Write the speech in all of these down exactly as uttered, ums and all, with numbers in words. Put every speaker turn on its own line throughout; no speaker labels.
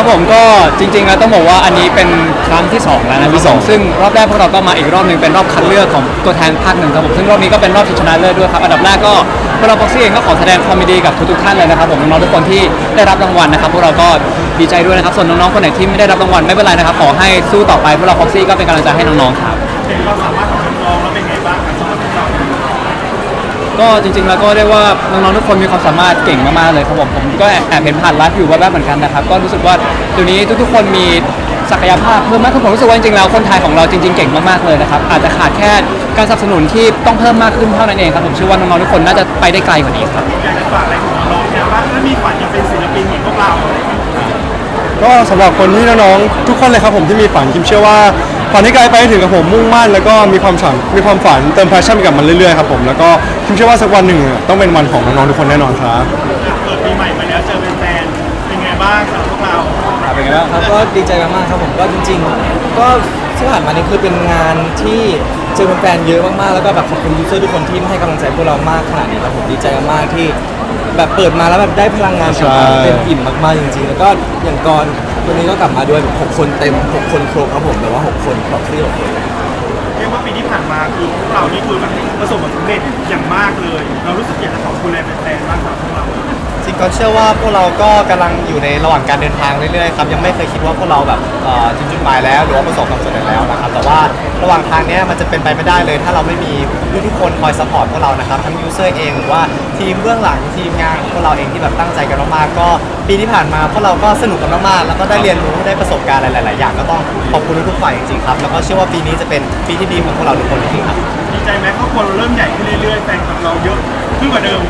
ผมก็จริงๆแล้วต้องบอกว่าอันนี้เป็นครั้งที่สองแล้วนะครับผมซึ่งรอบแรกพวกเราก็มาอีกรอบหนึ่งเป็นรอบคัดเลือกของตัวแทนภาคหนึ่งครับผมซึ่งรอบนี้ก็เป็นรอบชิงชนะเลิศด้วยครับอันดับแรกก็พวกเราพ็อกซี่เองก็ขอแสดงความยินดีกับทุกๆท่านเลยนะครับผมน้องๆทุกคนที่ได้รับรางวัลนะครับพวกเราก็ดีใจด้วยนะครับส่วนน้องๆคนไหนที่ไม่ได้รับรางวัลไม่เป็นไรนะครับขอให้สู้ต่อไปพวกเราพ็อกซี่ก็เป็นกำลังใจให้น้องๆครับ
เห็นความสามารถของน้องๆแล้วเป็นไงบ้างครับสำหรับเรา
ก็จริงๆแล้วก็ได้ว่าน้องๆทุกคนมีความสามารถเก่งมากๆเลยครับผมผมก็แอบเห็นผ่านไลฟ์อยู่ว่าแบบเหมือนกันนะครับก็รู้สึกว่าเดี๋ยวนี้ทุกๆคนมีศักยภาพเพิ่มมากขึ้นผมรู้สึกว่าจริงๆแล้วคนไทยของเราจริงๆเก่งมากๆเลยนะครับอาจจะขาดแค่การสนับสนุนที่ต้องเพิ่มมากขึ้นเท่านั้นเองครับผมเชื่อว่าน้องๆทุกคนน่าจะไปได้ไกลกว่านี้ครับ
อยากจะฝากอะไรถึงน้องๆเนี่ยว่าถ้ามีฝันอยากเป็นศิลปินเหมือนพวกเรา
ก็สำหรับคนที่น้องๆทุกคนเลยครับผมที่มีฝันคิมเชื่อว่าฝันที่ไกลไปถึงกับผมมุ่งมั่นแล้วก็มีความฝันมีความฝันเติมแพชชั่นกับมันเรื่อยๆครับผมแล้วก็คิมเชื่อว่าสักวันหนึ่งต้องเป็นวันของน้องๆทุกคนแน่นอนครับ
เปิดปีใหม่มาแล้วเจอแฟนๆเป็นไงบ้างสำหรับพวกเรา
เป็นไงบ้าง
ครับก็ดีใจมากๆครับผมก็จริงๆก็ที่ผ่านมานี่คือเป็นงานที่เจอแฟนๆเยอะมากๆแล้วก็แบบขอบคุณยูเซอร์ทุกคนที่ให้กำลังใจพวกเรามากขนาดนี้ครับผมดีใจมากๆที่แบบเปิดมาแล้วแบบได้พลังงานกลับมาเต็มอิ่มมากๆจริงๆแล้วก็อย่างก่อนตัวนี้ก็กลับมาด้วยแบบหกคนเต็มหกคนครบครับผมแต่ว่าหกคนครบที่หกคน
เรียกว่าปีที่ผ่านมาคือพวกเรานี่คือแบบประสบความสำเร็จอย่างมากเลยเรารู้สึกอยากจะขอบคุณอะไรแฟนๆบ้างครับพวกเรา
จริงก็เชื่อว่าพวกเราก็กำลังอยู่ในระหว่างการเดินทางเรื่อยๆครับยังไม่เคยคิดว่าพวกเราแบบถึงจุดหมายแล้วหรือว่าประสบความสำเร็จแล้วนะครับแต่ว่าระหว่างทางนี้มันจะเป็นไปไม่ได้เลยถ้าเราไม่มีทุกๆคนคอยซัพพอร์ตพวกเรานะครับทั้งยูเซอร์เองหรือว่าทีมเบื้องหลังทีมงานพวกเราเองที่แบบตั้งใจกันมากๆก็ปีที่ผ่านมาพวกเราก็สนุกกันมากๆแล้วก็ได้เรียนรู้ได้ประสบการณ์หลายๆอย่างก็ต้องขอบคุณทุกๆฝ่ายจริงๆครับแล้วก็เชื่อว่าปีนี้จะเป็นปีที่ดีของพวกเราทุกคนจริงๆครับ
ดีใจไหมครอบครัวเราเริ่มใหญ่ขึ้นเรื่อยๆแฟนคลับเราเยอะขึ้นกว่าเดิม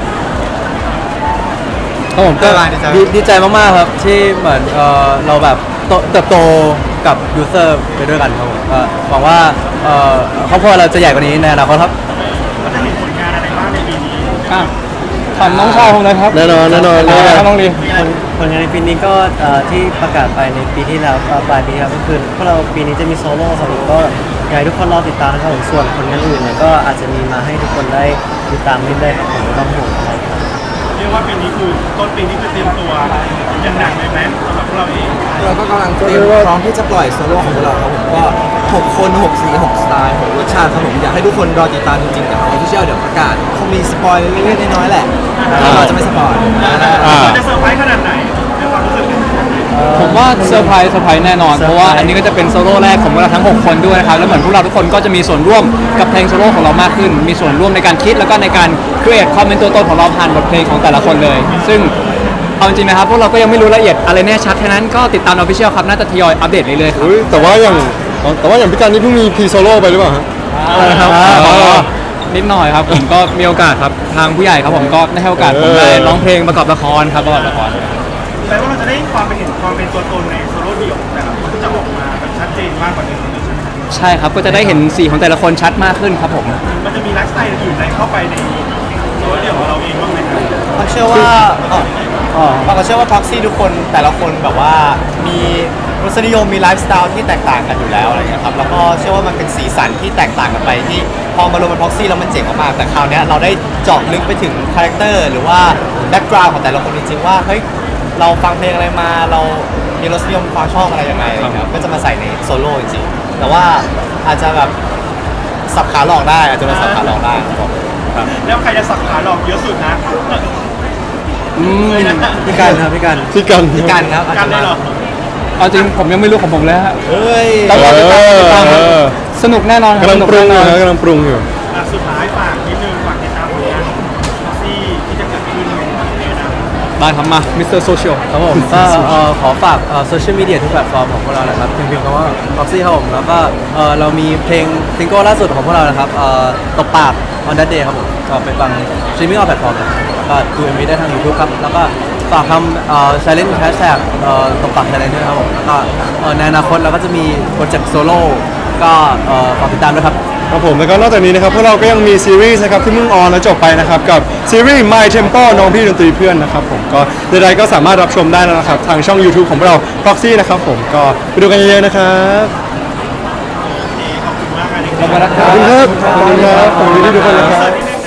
ผมก็ดีใจมากๆครับที่เหมือนเออเราแบบเติบโตกับยูเซอร์ไปด้วยกันครับผมก็หวังว่าเออครอบครัวเราจะใหญ่กว่านี้ในอนาคตครับ
เราจะเห็นผลงานอะไรบ้างในปีนี้
ถามน้องชายผมเลยครับ
แน่นอนแน่นอนแน่นอน
น้องลี
ผลงานในปีนี้ก็ที่ประกาศไปในปีที่แล้วปลายปีที่แล้วก็คือพวกเราปีนี้จะมีโซโล่ครับผมก็อยากให้ทุกคนรอติดตามนะครับผมส่วนผลงานอื่นเนี่ยก็อาจจะมีมาให้ทุกคนได้ติดตามเรื่อยๆครับผมไม่ต้องห่วงอะไรครับ
เรียกว่าปีนี้คือต้นปีนี้คือเตรียมตัวอย่างหนักเลยไหมสำหรับพวกเราเอง
เราก็กำลังเตรียมพร้อมที่จะปล่อยโซโล่ของพวกเราครับผมก็หกคนหกสีหกสไตล์หกรสชาติครับผมอยากให้ทุกคนรอติดตามจริงๆแต่ของออฟฟิเชียลเดี๋ยวประกาศคงมีสปอยเล็กๆน้อยๆแหละเราจะไม่สปอย
จะเซอร์ไพรส์ขนาดไหนในความรู้สึก
ผมว่าเซอร์ไพรส์เซอร์ไพรส์แน่นอนเพราะว่าอันนี้ก็จะเป็นโซโล่แรกของพวกเราทั้งหกคนด้วยนะครับแล้วเหมือนพวกเราทุกคนก็จะมีส่วนร่วมกับเพลงโซโล่ของเรามากขึ้นมีส่วนร่วมในการคิดแล้วก็ในการครีเอทความเป็นตัวตนของเราผ่านบทเพลงของแต่ละคนเลยซึ่งเอาจริงนะครับพวกเราก็ยังไม่รู้ละเอียดอะไรแน่ชัดแค่นั้นก็ติดตามออฟฟิเชียลครับน่าจะทยอยอัปเดตเรื่อยๆครับ
แต่ว่าอย่างแต่ว่าอย่างพี่การนี่เพิ่งมีพรีโซโล่ไปหรือเปล่าฮะ
ครับนิดหน่อยครับผมก็มีโอกาสครับทางผู้ใหญ่ครับผมก็ได้ให้โอกาสผมได้ร้องเพลงประกอบละครครับประกอบละคร
แปลว่าเราจะได้ความเป็นเห็นความเป็นตัวตนในโซโล่เดี่ยวแต่ละคนจะออกมาแบบชัดเจนมากกว่าเดิม
ใช่ครับก็จะได้เห็นสีของแต่ละคนชัดมากขึ้นครับผม
มันจะมีไลฟ์สไตล์อื่นในเข้าไปในโซโล่เดี่ยวของเราเองบ้างไหมครับ
เราเชื่อว่าอ๋อเราเชื่อว่าพ็อกซี่ทุกคนแต่ละคนแบบว่ามีรสนิยมมีไลฟ์สไตล์ที่แตกต่างกันอยู่แล้วอะไรเงี้ยครับแล้วก็เชื่อว่ามันเป็นสีสันที่แตกต่างกันไปที่พอมารวมเป็นพ็อกซี่แล้วมันเจ๋งมากๆแต่คราวนี้เราได้เจาะลึกไปถึงคาแรคเตอร์หรือว่าแบ็กกราวด์ของแต่ละคนจริงๆว่าเฮ้ยเราฟังเพลงอะไรมาเรามีรสนิยมความชอบอะไรยังไงครับก็จะมาใส่ในโซโล่จริงๆแต่ว่าอาจจะแบบสับขาหลอกได้อาจจะมาสับขาหลอกได้
ครับแล้วใครจะสับขาหลอกเยอะสุดนะ
พี่กันครับพี่กัน
พี่กัน
พี่กันครับ
กันเลยเหรอ
เอาจริงผมยังไม่รู้ของผมเลยฮะ
เฮ้ย
ต้องรอติดตามสนุกแน่นอน
กำลังปรุงอยู่กำลังปรุงอยู่
สุดท้ายฝากนิดนึงฝากติดตามผลงานที่ที่จะเกิดขึ้นในปีหน้า
ได้ครับมามิสเตอร์โซเชียล
ครับผมก็ขอฝากโซเชียลมีเดียทุกแพลตฟอร์มของพวกเรานะครับเพียงๆคำว่า Proxy ครับผมแล้วก็เรามีเพลงซิงเกิลล่าสุดของพวกเรานะครับตบปาก On That Day ครับผมก็ไปฟังสตรีมมิ่งออนแพลตฟอร์มก็ดู เอ็ม วี ได้ทาง YouTube ครับแล้วก็ฝากทำ Silent Hashtag ตบปาก Silent ด้วยครับผมแล้วก็ในอนาคตเราก็จะมีโปรเจกต์โซโล่ก็ฝากติดตามด้วยครับ
ครับผมแล้วก็นอกจากนี้นะครับพวกเราก็ยังมีซีรีส์นะครับที่เพิ่งออนและจบไปนะครับกับซีรีส์ My Tempo น้องพี่ดนตรีเพื่อนนะครับผมก็ใดๆก็สามารถรับชมได้แล้วนะครับทางช่อง YouTube ของพวกเรา Proxy นะครับผมก็ไปดูกันเยอะๆนะครับ
ขอบคุณมากครับ
ขอบคุณครับ
ขอบคุณครับขอบคุณครับขอบคุณที่ทุกคนเลยครับ